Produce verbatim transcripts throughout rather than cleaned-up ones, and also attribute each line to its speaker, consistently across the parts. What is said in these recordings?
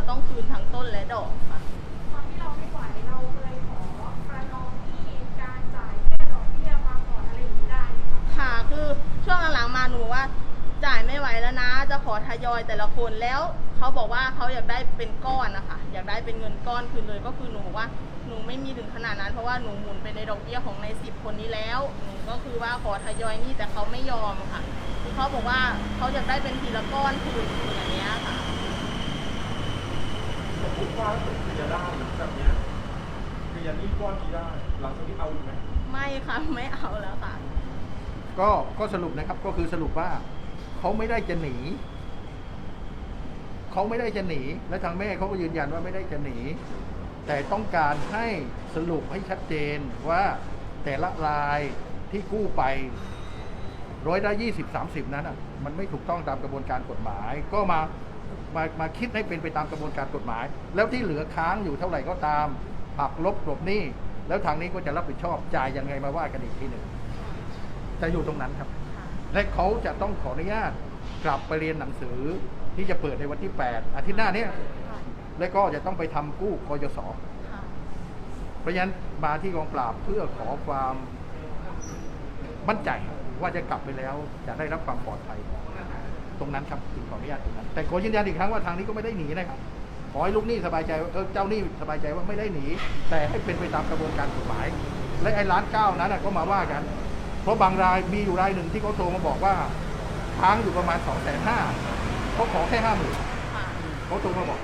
Speaker 1: ต้องคืนทั้งต้นและดอกค่ะ
Speaker 2: ตอนที่เราไม่ไหวเราเลยขอประนอมที่การจ่ายแค่ดอกเบี้ยมาก่อนอะไรอย่างนี้ได้ไหมคะ
Speaker 1: ค่ะคือช่วงหลังๆมาหนูว่าจ่ายไม่ไหวแล้วนะจะขอทยอยแต่ละคนแล้วเขาบอกว่าเขาอยากได้เป็นก้อนนะคะอยากได้เป็นเงินก้อนคืนเลยก็คือหนูว่าหนูไม่มีถึงขนาดนั้นเพราะว่าหนูหมุนไปในดอกเบี้ยของในสิบคนนี้แล้วหนูก็คือว่าขอทยอยนี่แต่เขาไม่ยอมค่ะเขาบอกว่าเขาอยากได้เป็นทีละก้อนคืนอย่างเงี้ยค่ะ
Speaker 3: สมมติว่าเคลียร์ได้แบบนี้เคลียร์นี่ก้อนนี้ได้หลังจากนี้เอาอีกไหม
Speaker 1: ไม่ค่ะไม่เอาแล้วค่ะ
Speaker 4: ก็ก็สรุปนะครับก็คือสรุปว่าเขาไม่ได้จะหนีเขาไม่ได้จะหนีและทางแม่เขาก็ยืนยันว่าไม่ได้จะหนีแต่ต้องการให้สรุปให้ชัดเจนว่าแต่ละรายที่กู้ไปร้อยละยี่สิบสามสิบนั้นอ่ะมันไม่ถูกต้องตามกระบวนการกฎหมายก็มามามาคิดให้เป็นไปตามกระบวนการกฎหมายแล้วที่เหลือค้างอยู่เท่าไหร่ก็ตามหักลบกลบหนี้แล้วทางนี้ก็จะรับผิดชอบจ่ายยังไงมาว่ากันอีกทีหนึ่งจะอยู่ตรงนั้นครับและเขาจะต้องขออนุญาตกลับไปเรียนหนังสือที่จะเปิดในวันที่แปดอาทิตย์หน้านี้และก็จะต้องไปทำกู้กยศเพราะฉะนั้นมาที่กองปราบเพื่อขอความมั่นใจว่าจะกลับไปแล้วจะได้รับความปลอดภัยตรงนั้นครับจึงขออนุญาตตรงนั้นแต่ขอยืนยันอีกครั้งว่าทางนี้ก็ไม่ได้หนีนะครับขอให้ลูกหนี้สบายใจเออเจ้าหนี้สบายใจว่าไม่ได้หนีแต่ให้เป็นไปตามกระบวนการกฎหมายและไอ้ล้านเก้านั้นก็มาว่ากันเพราะบางรายมีอยู่รายหนึ่งที่เขาโทรมาบอกว่าค้างอยู่ประมาณสองแสนห้าเขาขอแค่ห้าหมื่นเขาโทรมาบอก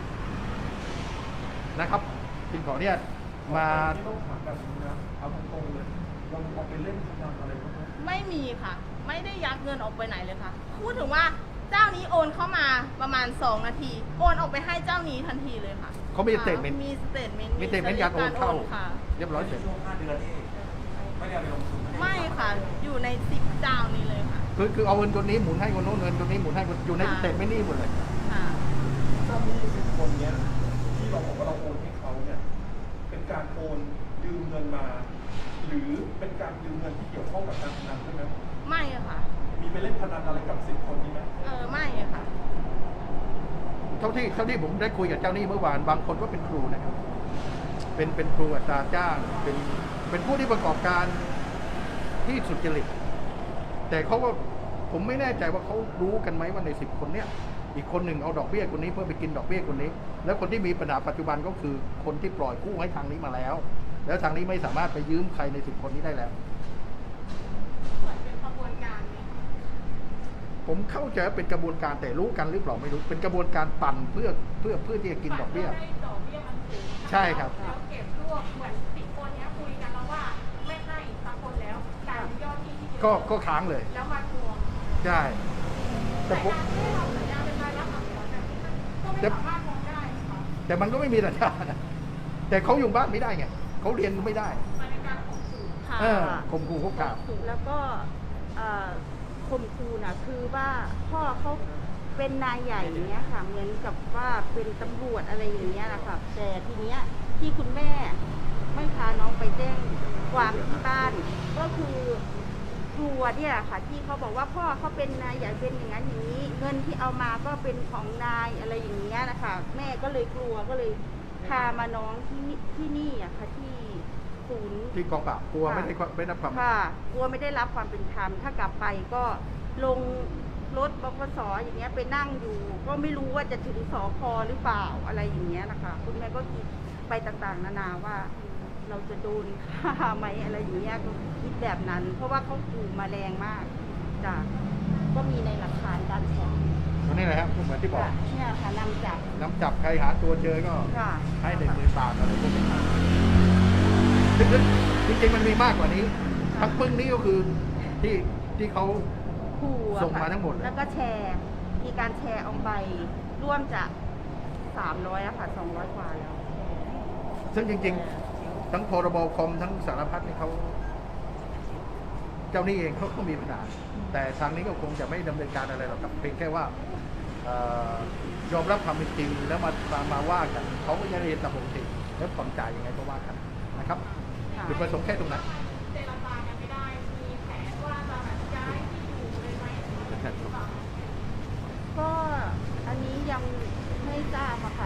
Speaker 4: นะครับจึงขอเนี่ยมา
Speaker 3: ต้องถามแบบนี้นะเอาตรงๆเลยเราเอาไปเล่นพนันอะไรบ้างไหม
Speaker 1: ไม่มีค่ะไม่ได้ยักเงินออกไปไหนเลยค่ะพูดถึงว่าเจ้านี้โอนเข้ามาประมาณสองนาทีโอนออกไปให้เจ้านี้ทันทีเลยค่ะ
Speaker 4: เขามีสเตทเมนต์
Speaker 1: มีสเตทเมนต์
Speaker 4: มีสเตทเมนต์การโอนเข้า
Speaker 1: ค่ะ
Speaker 4: เรียบร้อยเสร็จ
Speaker 3: ช่วงห้าเดือนนี่ไม่ได้เอาไปลงทุน
Speaker 1: ไม่ค่ะอยู่ในสิบเจ้านี้เลยค่ะ
Speaker 4: คือคือเอาเงินตัวนี้หมุนให้คนโน้นเงินตัวนี้หมุนให้คนอยู่ในสเตทเมนต์นี่หมดเลย
Speaker 1: ค่ะ
Speaker 3: เจ้าหนี้สิบคนเนี้ยที่เราบอกว่าเราโอนให้เขาเนี่ยเป็นการโอนยืมเงินมา หรือเป็นการยืมเงินที่เกี่ยวข้องกับการพนันใช่ไหม
Speaker 1: ไม่ค่ะ
Speaker 3: มีไปเล่นพนันอะไรกับสิบคนนี้ไหม
Speaker 1: เออไม่ค่ะ
Speaker 4: เท่าที่เท่าที่ผมได้คุยกับเจ้าหนี้เมื่อวานบางคนก็เป็นครูนะครับเป็นเป็นครูอัตราจ้างเป็นเป็นผู้ที่ประกอบการที่สุจริตแต่เขาก็ผมไม่แน่ใจว่าเขารู้กันไหมว่าในสิบคนเนี้ยอีกคนหนึ่งเอาดอกเบี้ยคนนี้เพื่อไปกินดอกเบี้ยคนนี้แล้วคนที่มีปัญหาปัจจุบันก็คือคนที่ปล่อยกู้ให้ทางนี้มาแล้วแล้วทางนี้ไม่สามารถไปยืมใครในสิบคนนี้ได้แล้ว
Speaker 2: เหมือนเป็นกระบวนการไหม
Speaker 4: ผมเข้าใจเป็นกระบวนการแต่รู้กันหรือเปล่าไม่รู้เป็นกระบวนการปั่นเพื่อเพื่อเพื่อที่จะกินดอกเบี้ย
Speaker 2: ดอกเบี้ยมันสูง
Speaker 4: ใช่ครับ
Speaker 2: แล้วเก็บรวบเหมือนสิบคนนี้คุยกันแล้วว่าไม่ให้สักคนแล้วจ่ายยอดที่ที่เยอะ
Speaker 4: ก็ก็ค้างเลย
Speaker 2: แล้วมาทวง
Speaker 4: ใช่
Speaker 2: แต่ผมไม่ทำสัญญาเป็นรายรับอักษรแบบนี้มันก็ไม่สามารถทวงได้ค่ะ
Speaker 4: แต่มันก็ไม่มีสัญญาแต่เขาอยู่บ้านไม่ได้ไงเขาเรียนไม่ได้
Speaker 2: มันเป็นการข่มขู่
Speaker 1: ค่ะ
Speaker 4: ข่มขู่คุกคาม
Speaker 5: แล้วก็ข่มขู่นะคือว่าพ่อเขาเป็นนายใหญ่อย่างเงี้ยค่ะเหมือนกับว่าเป็นตำรวจอะไรอย่างเงี้ยนะคะแต่ทีเนี้ยที่คุณแม่ไม่พาน้องไปแจ้งความที่บ้านก็คือกลัวเนี่ยค่ะที่เขาบอกว่าพ่อเขาเป็นนายใหญ่เป็นอย่างนั้นอย่างนี้เงินที่เอามาก็เป็นของนายอะไรอย่างเงี้ยนะคะแม่ก็เลยกลัวก็เลยพามาน้องที่ที่นี่อะค่ะที่ศูนย์
Speaker 4: ที่กองปราบกลัวไม่ได้ไม่ได้รับความ
Speaker 5: ค่ะกลัวไม่ได้รับความเป็นธรรมถ้ากลับไปก็ลงรถบขสอย่างเงี้ยไปนั่งอยู่ก็ไม่รู้ว่าจะถึงสพหรือเปล่าอะไรอย่างเงี้ยนะคะคุณแม่ก็คิดไปต่างๆนานาว่าเราจะโดนฆ่าไหมอะไรอย่างเงี้ยก็คิดแบบนั้นเพราะว่าเขาขู่มาแรงมากจ้ะก็มีในหลักฐานการฟ้อง
Speaker 4: นี่แหละครับเหมือนที่บอก
Speaker 5: เนี่ยค่ะนำจับ
Speaker 4: นำจับใครหาตัวเจอก็ให้หนึ่งหมื่นบาทอะไรพวกนี้จริงๆมันมีมากกว่านี้ทั้งปึ้งนี้ก็คือที่ที่เขาส่งมาทั้งหมด
Speaker 5: แล้วก็แชร์มีการแชร์ออกไปร่วมจะสามร้อยอะค่ะสองร้อยกว่าแล้ว
Speaker 4: ซึ่งจริงๆทั้งพรบคอมทั้งสารพัดนี่เขาเจ้าหนี้เองเขาก็มีปัญหาแต่ทางนี้ก็คงจะไม่ดำเนินการอะไรหรอกครับเพียงแค่ว่ายอมรับความเป็นจริงแล้วมามาว่ากันเขาก็จะเรียนตามปกติแล้วผ่อนจ่ายยังไงก็ว่ากันนะครับจุดประสงค์แค่ตรงนั้น
Speaker 2: เจรจากันไม่ได้มีแผนว่าจะแบบย้ายที่อยู่เลยไหม
Speaker 5: ก็อันนี้ยังไม่ทราบอะค่ะ